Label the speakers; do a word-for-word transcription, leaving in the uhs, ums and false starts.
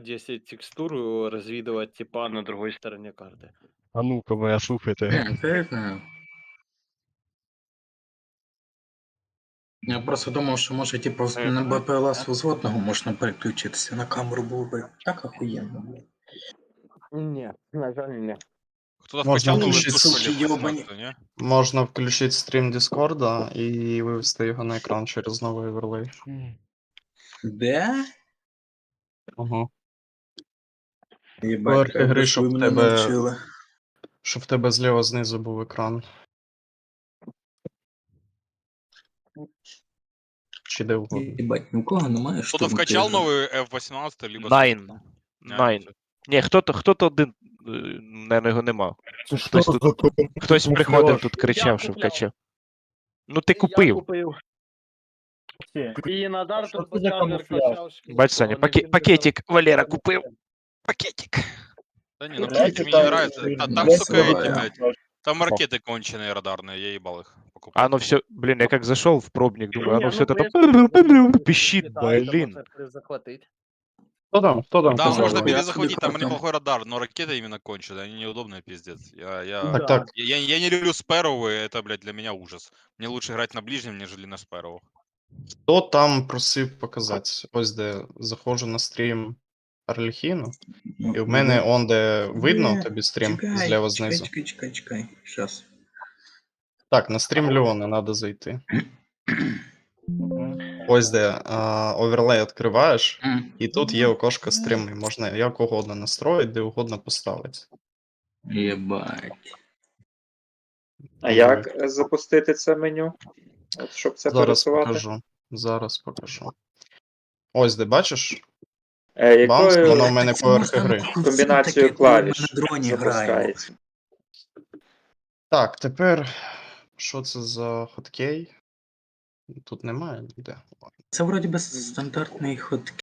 Speaker 1: десять текстур развидывать типа на другой стороне карты.
Speaker 2: А ну-ка, моя, слухайте.
Speaker 3: Не, це я знаю. Я просто думав, що може типу з- на Б П Л С взводного можна переключитися на камеру, було би так охуєнно, блядь.
Speaker 1: Не, на жаль, не.
Speaker 4: Кто-то
Speaker 5: Можно
Speaker 4: вкачал новую
Speaker 5: включить
Speaker 4: тушку
Speaker 3: суки
Speaker 4: или
Speaker 3: ёбані.
Speaker 4: восемнадцатую, не?
Speaker 5: Можна включити стрім Дискорда і вивести його на екран через новий оверлей.
Speaker 3: Де?
Speaker 5: Ага.
Speaker 3: Єбать,
Speaker 5: Поверхи
Speaker 3: як
Speaker 5: гри,
Speaker 3: би
Speaker 5: щоб
Speaker 3: ви
Speaker 5: в
Speaker 3: мене
Speaker 5: тебе-
Speaker 3: навчили.
Speaker 5: Щоб в тебе зліва знизу був екран. Чи де угодно.
Speaker 3: Єбать, нікого немає, що
Speaker 4: Кто-то вкачал новую F восемнадцать, либо...
Speaker 2: Найн.
Speaker 4: сотку?
Speaker 2: Найн.
Speaker 4: всё.
Speaker 2: Ні, хто-то, хто-то один, е, наверно, його нема.
Speaker 6: Це
Speaker 2: Хтось
Speaker 6: що
Speaker 2: тут-
Speaker 6: за ком-
Speaker 2: Хтось
Speaker 6: камуфляж?
Speaker 2: приходив тут,
Speaker 1: Я
Speaker 2: кричав, що
Speaker 1: купляв.
Speaker 2: вкачав. Ну ти
Speaker 1: Я
Speaker 2: купив.
Speaker 1: купив. І Надар
Speaker 6: Що
Speaker 1: тут
Speaker 6: це за
Speaker 1: покаже,
Speaker 6: камуфляж?
Speaker 1: качав.
Speaker 2: Бач, Саня, паке- пакетик Валера купив. Пакетик.
Speaker 4: Да не, ну
Speaker 6: Блядь,
Speaker 4: пакетик мне
Speaker 6: это-
Speaker 4: не нравится. Та- Там,
Speaker 3: Я
Speaker 4: сука, эти,
Speaker 3: слабая.
Speaker 4: блядь, там ракеты конченые радарные, я ебал их покупать.
Speaker 2: А ну все, блін, я як зайшов в пробник, думаю,
Speaker 1: Ні,
Speaker 2: оно
Speaker 1: ну,
Speaker 2: все
Speaker 1: в
Speaker 2: это
Speaker 1: принципі,
Speaker 2: пищит,
Speaker 1: літає, то
Speaker 2: блін.
Speaker 1: можна перезахватити.
Speaker 5: Хто там? Хто там
Speaker 4: Да,
Speaker 5: казав?
Speaker 4: можно
Speaker 5: Валерій?
Speaker 4: перезахватить, там
Speaker 3: хотел.
Speaker 4: неплохой радар, но ракеты именно конченые, они неудобные, пиздец. Я, я,
Speaker 5: Так,
Speaker 1: Да.
Speaker 5: так.
Speaker 4: я, я не люблю спэровые, это, блядь, для меня ужас. Мне лучше играть на ближнем, нежели на спэровых.
Speaker 5: Хто там просив показати? Ось де заходжу на стрім Арлекіну, і в мене он де видно
Speaker 3: Ні,
Speaker 5: тобі стрім
Speaker 3: Чекай,
Speaker 5: зліва
Speaker 3: чекай,
Speaker 5: знизу.
Speaker 3: чекай, чекай, чекай. Щас.
Speaker 5: Так, на стрім Леона треба зайти. Ось де а, оверлей відкриваєш, і тут є окошко стріми. Можна як угодно настроїти, де угодно поставити.
Speaker 3: Єбать.
Speaker 7: А як е, запустити це меню? От, щоб це
Speaker 5: Зараз
Speaker 7: пересувати?
Speaker 5: покажу. Зараз покажу. Ось де бачиш?
Speaker 7: Е,
Speaker 5: Баунс,
Speaker 7: якою
Speaker 5: воно в мене
Speaker 3: Це
Speaker 5: поверхи
Speaker 3: можна
Speaker 5: гри.
Speaker 3: нахуй
Speaker 7: комбінацією
Speaker 3: всім таке, коли ми
Speaker 7: клавіш
Speaker 3: на дроні граємо.
Speaker 7: запускається?
Speaker 5: Так, тепер. Що це за хоткей? Тут немає ніде.
Speaker 3: Це вроді би стандартний ход